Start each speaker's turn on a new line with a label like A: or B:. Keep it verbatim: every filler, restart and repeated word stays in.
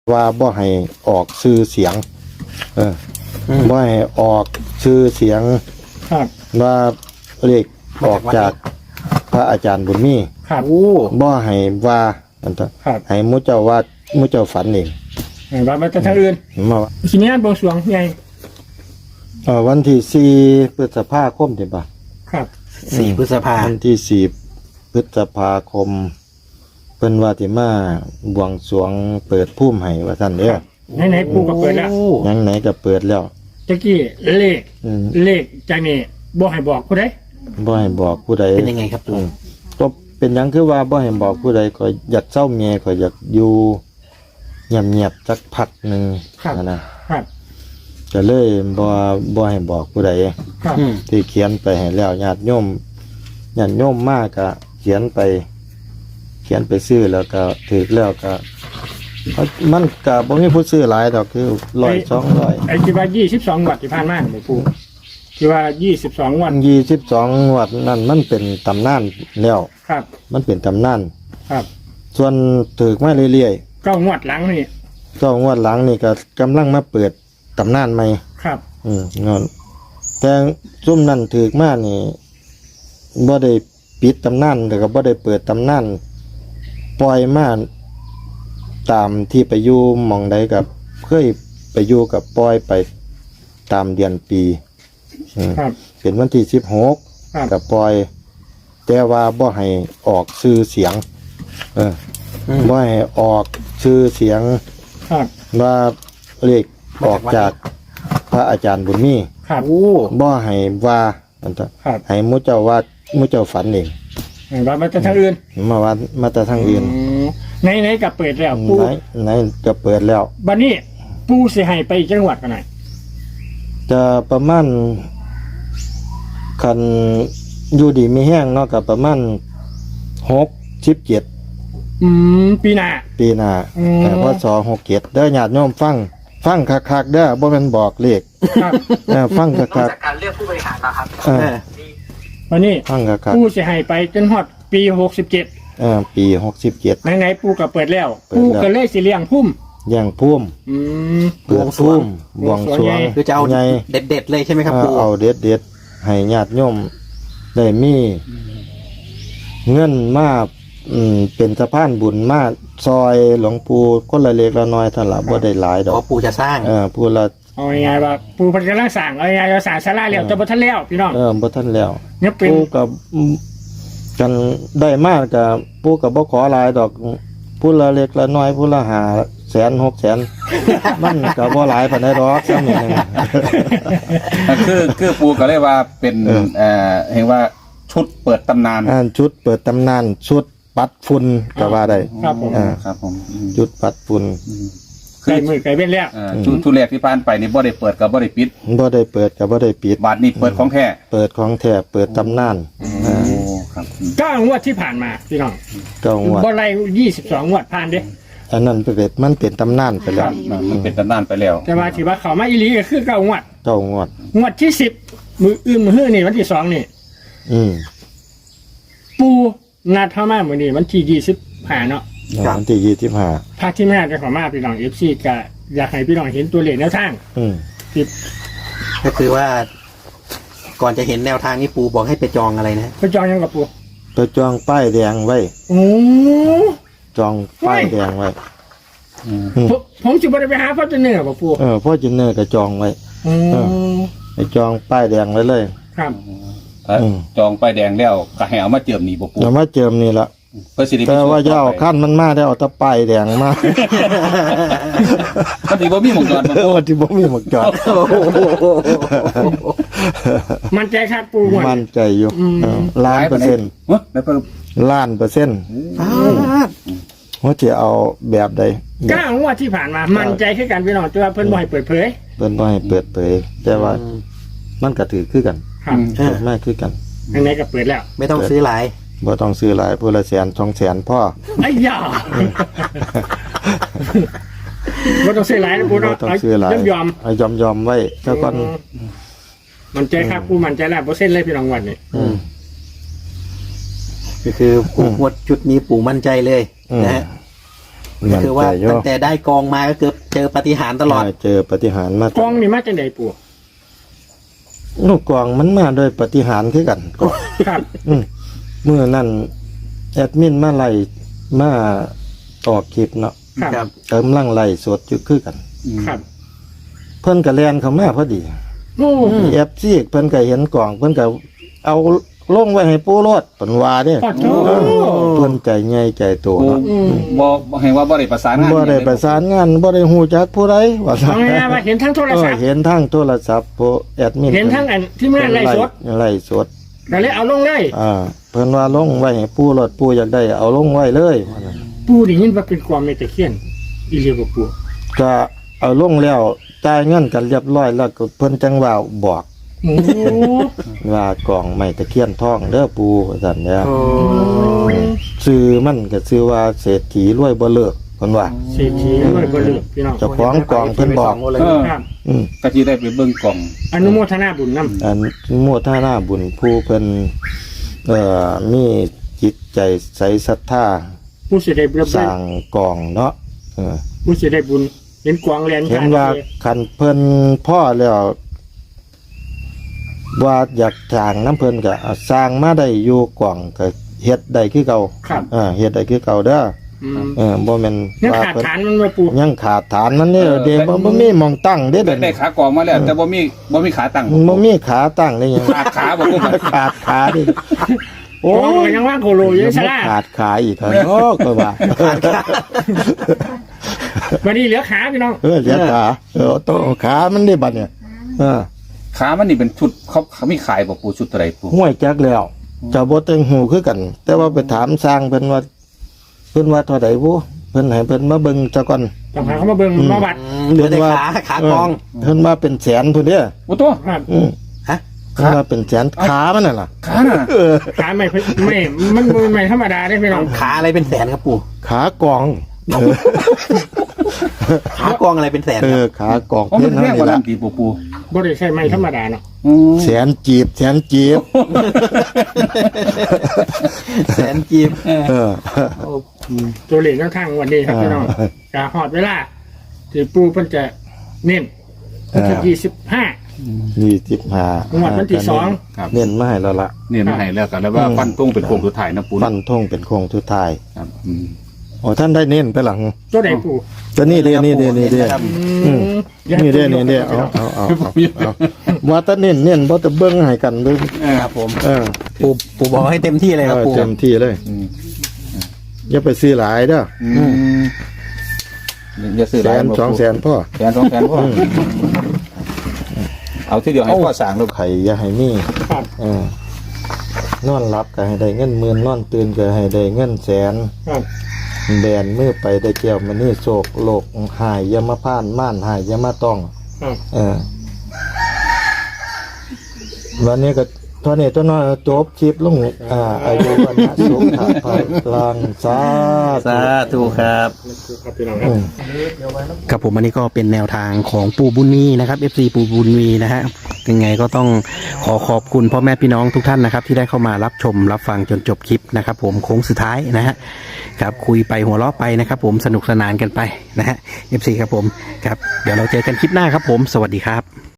A: ว่าบ่ให้ออกชื่อเสียงเออบ่ให้ออกชื่อเสียง
B: ครับ
A: ว่าเลขออกจากพระอาจารย์บุญมี
B: ครับ
C: โอ้
A: บ่ให้ว่าอันตะ
B: ครับ
A: ให้มุเจ้าว่ามุเจ้าฝันเอง
B: เห็นว่ามันจะทางอื่น
A: มาว่า
B: ทีนี้บวงสรวงไง
A: เอ่อวันที่สี่พฤษภาคมใช่ปะ
B: ครับ
C: สี่พฤษภา
A: วันที่สี่พฤษภาคมเพิ่นว่าสิมาบวงสรวงเปิดภูมิให้ว่าท่านเด้อ
B: ไหนไหนๆปูก็เปิดแล้ว
C: โอ้
A: ยังไหนก็เปิดแล้ว
B: ตะกี้เลข
A: อืม
B: เลขจากนี่บ่ให้บอกผู้ใด
A: บ่ให้บอกผู้ใด
C: เป็นยังไงครับปู่
A: ก็เป็นหยังคือว่าบ่ให้บอกผู้ใดก็อยากเศร้าเมียก็อยากอยู่เงียบๆสักพักหนึงนะนะครับ ก็เลยบ่บ่ให้บอกผู้ใด
B: ครับ
C: อืม
A: ที่เขียนไปให้แล้วญาติโยมญาติโยมมากก็เขียนไป เขียนไปซื้อแล้วก็ถือแล้วก็เอามันก็บ่มีผู้ซื้อหลายดอกคือร้อยสองร้อย
B: ไอ้ที่ว่ายี่สิบสองวัดที่ผ่านมาเนี่ยปูที่ว่ายี่สิบสองวัน
A: ยี่สิบสองวัดนั่นมันเป็นตำนานแล้ว
B: ครับ
A: มันเป็นตำนาน
B: ครับ
A: ส่วนถือมาเรื่อย
B: เก้างวดหลังนี่
A: ๆก็งวดหลังนี่ก็กำลังมาเปิดตำนานใหม่
B: ครับ
A: อืมงอนแต่ซุ่มนั่นถือมานี่บ่ได้ปิดตำนานแต่ก็บ่ได้เปิดตำนานปล่อยมาตามที่ไปอยู่หม่องใดกับเคยไปอยู่กับปล่อยไปตามเดือนปีอืม
B: ครับ
A: เป็นวันที่สิบหก
B: ครับ
A: กับปล่อย แต่ว่าบ่ให้ออกชื่อเสียง เออ
C: อืม
A: บ่ให้ออกชื่อเสียง
B: ครับ
A: ว่าเลขออกจากพระอาจารย์บุญมี
B: ครับ
C: โอ้
A: บ่ให้ว่าอันตะ
B: ครับ
A: ให้มุเจ้าว่ามุเจ้าฝันเอง
B: เห็นว่ามันจะทางอื่น
A: มาว่ามาแต่ทางอื่น
B: ไหนไหนๆก็เปิดแล้วปู
A: ไหนไหนจะเปิดแล้ว
B: บัดนี้ปูสิให้ไปจังหวัดกันไหนอย
A: จะประมาณคันอยู่ดีมีแห้งเนาะกับประมาณหกสิบเจ็ด
B: อืมปีหน้า
A: ปีหน้า
B: อืม
A: แต่ว่าสอหกเจ็ดเด้อญาติโยมฟัง ฟังคักๆเด้อบ่แม่นบอกเลข
B: ครับ
A: เออฟังคัก
D: การเลือกผู้บริหารนะครับ
A: ๆเออ
C: เออ
B: วันนี้
A: ฟังคัก
B: ปูสิให้ไปจนฮอดปีหกสิบเจ็ด
A: ๆเออปีหกสิบเจ็ด
B: ไหนๆปูก็เปิดแล้ว
A: เปิด
B: ปู
A: แล้ว
B: ก็เลยสิเลี้ยงพุ่ม
A: ย่างพุ่ม
B: อืม
A: เปิดพุ่มบวงสรวง
C: คือจะเอา
A: ใหญ่
C: เด็ดๆเลยใช่ไหมครับ
A: เออ
C: ปู่
A: เอาเด็ดเด็ดๆให้ญาติโยมได้มีเงินมาอืมเป็นสะพานบุญมาซอยหลวงปู่คนละเล็กละน้อยเท่าละบ่ได้หลายดอ
C: อ๋อก ปู่จะสร้าง
A: เออผู้ละ
B: เอาง่ายๆว่าปูเพันกำลังสั่งเอาง่ายๆว่าสั่งศาลาแล้วแต่บ่ทันแล้วพี่น้อง
A: เออบ่ทันแล้ว
B: เนี่ยเป็น
A: ผู้กับกันได้มากกับผู้กับบ่ขอหลายดอกผู้ละเล็กละน้อยผู้ละห้าแสนหกแสน มันก็บ่หลายปานใดดอกซ้ำนี่นึง
E: คือคือปูก็เลยว่าเป็น
A: เออ
E: เอ่อเห็นว่าชุดเปิดตำนาน
A: อ่านชุดเปิดตำนานชุดปัดฝุ่นก็ว่าได้
B: ครับผม
A: อ่า
E: ครับผมอืม
A: ชุดปัดฝุ่น
E: อืม
B: ไก่มือไก่เบ็ดแล้ว
E: เอ่อชุดชุดแรกที่ผ่านไปนี่บ่ได้เปิดกับบ่ได้ปิด
A: บ่ได้เปิดก็บ่ได้ปิด
E: บาทนี้เปิดของแท้
A: เปิดของแท้เปิดตำนาน
E: โอ้
A: อ่า
E: ครับอืม
B: เก้างวดที่ผ่านมาพี่น้อง
A: เก้างวด
B: บ่ไล่ยี่สิบสองงวดผ่านเด้
A: อันนั้นเป็นมันเป็นตำนานไป
E: ค
A: แล้
E: รั
A: ว
E: บมันเป็นตำนานไปแล้ว
B: แต่ว่าถือว่าเขามาอีหลีก็คือเก้างวด
A: เก้างวด
B: งวดที่สิบมืออื่นมือฮื้อนี่วันที่สองนี่
A: อืม
B: ปูนัดเข้ามามื้อนี้วันที่ยี่สิบห้าเนาะ
A: วันที่ยี่สิบห้า
B: ภาคที่แม่จะขอมาพี่น้อง เอฟ ซี ก็อยากให้พี่น้องเห็นตัวเลขแนวทาง
A: อืม
B: ที่
C: ก็คือว่า ก่อนจะเห็นแนวทางนี้ปู่บอกให้ไปจองอะไรนะ
B: ไปจองยังกับปู
A: ไปจองป้ายแดงไว้
B: โอ้
A: จองป้ายแดงไว้
E: อืม
A: อืม
B: ผมผมสิบ่ได้ไปหาพ่อเจเนอร์บ่ปู
A: เออพ่อจินเนอร์ก็จองไว้
B: อืม
A: ไปจองป้ายแดงไว้เลย
B: ครับ
E: ถ้า
A: อืม
E: จองป้ายแดงแล้วก็ให้เอามาเจิมนี่บ่ปู
A: แล้วมาเจิมนี่ละ
E: เพื่อสิริ
A: แต่ว่าอย่าเอาขั้นมันมาได้เอาแตะป้ายแดงมา
E: มันสิบ่มีหมองจอดบ่
A: เออวันที่บ่มีหมวกจอด
B: มันใจครับปูหมด
A: มั่นใจอยู่
B: อืม
A: เออล้านเปอร์เซ็นต์
E: เฮ้ยแล้วก็
A: ล้านเปอร์เซ็นต์
C: อ้าว
A: ว่าจะเอาแบบใด
B: เก้างวดที่ผ่านมา มันใจคือกันพี่น้องแต่ว่าเพิ่นบ่ให้เปิดเผย
A: เพิ่นบ่ให้เปิดเผยแต่ว่ามันก็ถือคือกัน
B: ครับ
C: อ่า
A: ไม่คือกัน
B: อันไหนก็เปิดแล้ว
C: ไม่ต้องซื้อหลาย
A: บ่ต้องซื้อหลายผู้ละแสนสองแสนพ่อ
B: ไอ้ยาบ่ต้องซื้อหลายนะปู
A: บ่
B: เนาะ
A: ต้องซื้อหลาย
B: ยอม
A: เอายอมยอมๆไว้เจ้าก่อน
B: ๆมันใจครับปูมันใจแล้วบ่เซ็นเลยพี่น้องวันนี้
A: อืม
C: ก็คือปู่งวดชุดนี้ปู่มั่นใจเลย
A: อืม
C: นะฮะก็คือว่า
A: มั่นใจอยู่
C: ตั้งแต่ได้กองมาก็คือเจอปาฏิหาริย์ตลอด
A: ใช่เจอปาฏิหารย์มาก
B: กองนี่มาจากไหนปู่
A: ลูกกองมันมาโดยปาฏิหารย์คือกันกอง
B: ครับ
A: อืมเมื่อนั้นแอดมินมาไล่มาออกคลิปเนาะ
B: ครับ
C: ครับ
A: กำลังไล่สดอยู่คือกัน
B: ครับ
A: เพิ่นก็แล่นเข้ามาพอดี
B: โอ้
A: เอฟซีเพิ่นก็เห็นกล่องเพิ่นก็เอาลงไว้ให้ปู่รถเพิ่นว่าเด้
B: ปอดโถ
A: เออเพิ่นใจใหญ่ใจโต
E: ปู
A: เนาะ
B: อืม
E: บ่บ่ให้ว่าบ่ได้ประสานงาน
A: บ่ได้ประสานงานบ่ได้ฮู้จักผู้ใดว่าซั่
B: เอา
A: น
B: ไงว่าเห็นทั้งโทร
A: เออ
B: ศัพท์
A: เห็นทางโทรศัพท์ผู้แอดมิน
B: เห็นทั้งอันที่มันไล่สด
A: ไล่สด
B: ก็เลยเอาลงเลย
A: อ่าเพิ่นว่าลงไว้ให้ปู่รถปู่อยากได้เอาลงไว้เลยว่าซั่น
B: ปู่ได้ยินว่าเป็นความในตะเคียนอีเลียบปู่
A: ก็เอาลงแล้วจ่ายเงินกันเรียบร้อยแล้วก็เพิ่นจังว่าบอก
B: โอ้
A: ว่ากล่องไม้ตะเคียนทองเด้อปู่ว่าซั่นเด้อ
C: โอ้
A: ชื่อมันก็ชื่อว่าเศรษฐีรวยบ่เลิกเพิ่นว่า
B: เศรษฐีรวยบ่เลือกพี่น้อง
A: เจ้าของกล่องเพิ่นบอก
C: เลย
E: เออ
B: ครับ
A: อืม
E: ก็สิได้ไปเบิ่งกล่อง
B: อนุโมทนาบุญนำ
A: อันโมทนาบุญผู้เพิ่นเอ่อมีจิตใจใสศรัทธา
B: ผู้สิได้บุญ
A: สร้างกองเนาะเออ
B: ผู้สิได้บุญเห็นกวางแลน
A: เห็นว่าคันเพิ่นพ่อแล้วว่าอยากสร้างน้ำเพิ่นก็เอาสร้างมาได้อยู่กล่องก็เฮ็ดได้คือเก่า
B: ครับ
A: อ่าเฮ็ดได้คือเก่าเด้อ
B: อืม
A: เออบ่แม่น
B: ยัง
A: ว่า
B: ขาด
A: เพิ่น
B: ฐานมันบ่ปู่
A: ยังขาดฐานมันนี่เด้บ่บ่มีหม่องตั้งเด้
E: ได้
A: เด้
E: ได้ขากล่องมาแล้ว แต่บ่มีบ่มีขาตั้ง
A: มันบ่มีขาตั้งได้หยัง
E: ขาดขาบ่ปู
A: ขาดขาดิ
B: โอ้
A: โอ้
B: ยยังว่าโคโลอยู่ซะล่ะ
A: ขาดขาอีกเถอะโอ้ก็ว่า
B: วันนี้เหลือขาพี่น้อง
A: เออเสียขาเออโตขามันได้บัดเนี่ยเออ
E: ขามันนี่เป็นชุดเขาเขามีขายบ่ปูชุดเท่าไหร่ปู
A: ห้วยจักแล้วเจ้าบ่เต็งหูคือกัน แต่ว่าไปถามสร้างเพิ่นว่าเพิ่นว่าเท่าใดบ่เพิ่นให้เพิ่นมาเบิ่งซะก่อน
B: ต้องหาเขามาเบิ่งมาวัด
C: เหลือแต่ขาขากอง
A: เพิ่นว่าเป็นแสนพุ่นเด้อ
E: โอ้ตัว
B: ครับ
A: อืม
C: ฮะ
A: เพิ่นว่าเป็นแสนขามันน่ะล่ะ
E: ขาน่ะ
A: เออ
B: ขาไม่ไม่มันบ่ไม่ธรรมดาได้พี่น้อง
C: ขาอะไรเป็นแสนครับปู่
A: ขากองเออ
C: ขากองอะไรเป็นแสน
A: เอ
C: ครับ
A: อขากอง
E: อ๋อมัน
A: เพิ่น
E: แพ
A: เฮาง นี่
E: กว่านั้
A: ล่ะ
E: นตีปูปู
B: บ่ได้ใช่ไม่ธรรมดาเนาะ
E: อืม
A: แสนจีบแสนจีบ
C: แสนกีบ
A: เออ
B: ตัวเลขแนวทางวันนี้ครับพี่น้องจะฮอดเวลาที่ปู่เพิ่นจะเน้นวันที่ยี่สิบห้า
A: ยี่สิบห้าง
B: วดวันที่สอง
E: ครับ
A: เน้นมาให้แล้วล่ะ
E: เนี่ยมันให้แล้วกันแล้วว่าฟันตรงเป็นโครงสุดท้ายนะปู
A: ฟันธงเป็นโค้งสุดท้าย
E: ครับอืม
A: โอ้ท่านได้เน้นไปหลัง
B: ตัวใดปู่
A: ตัวนี้เด้นี่เด้นี่เด้
B: อืม
A: นี่เด้นี่เด้เอาเอาเอาเอาเอาว่าแตะเน้นเน้นบ่จะเบิ่งให้กันเบิ่ง
C: ครับผม
A: เออ
C: ปู่ปู่บอกให้เต็มที่เลยครับ
A: เออ
C: ปู่
A: เต็มที่เลย
E: อืม
A: อย่าไปซื้อหลายเด้อ
E: อืมอย่าซื้อ
A: แส
E: หลาย
A: น
E: บ่
A: สอง
E: ปู่
A: แสนพ่อ
E: แสนสองแสนพ่อเอาที่เดียวให้พ่อสั่งลูก
A: ไข่อย่าให้มี
B: ครับ
A: เออนอนหลับก็ให้ได้เงินหมื่นนอนตื่นก็ให้ได้เงินแสน
B: ครับ
A: แบนมือไปได้เกี่ยวมันนี่โศกโลกหายอยามาพ่านม่านหายอยามาต้อง
B: ครับ
A: เออวันนี้ก็ตอนนี้ตัวน้อยจบคลิปลงอ่าอายุวันนะสุขภาพลังสา
C: สาธุครับ
B: ครับพี่น้องครับ
A: อืม
C: ครับผมอันนี้ก็เป็นแนวทางของปู่บุญมีนะครับ เอฟ ซี ปู่บุญมีนะฮะยังไงก็ต้องขอขอบคุณพ่อแม่พี่น้องทุกท่านนะครับ ที่ได้เข้ามารับชมรับฟังจนจบคลิปนะครับ ผมโค้งสุดท้ายนะฮะครับคุยไปหัวเราะไปนะครับ ผมสนุกสนานกันไปนะฮะ เอฟ ซี ครับผมครับเดี๋ยวเราเจอกันคลิปหน้าครับผมสวัสดีครับ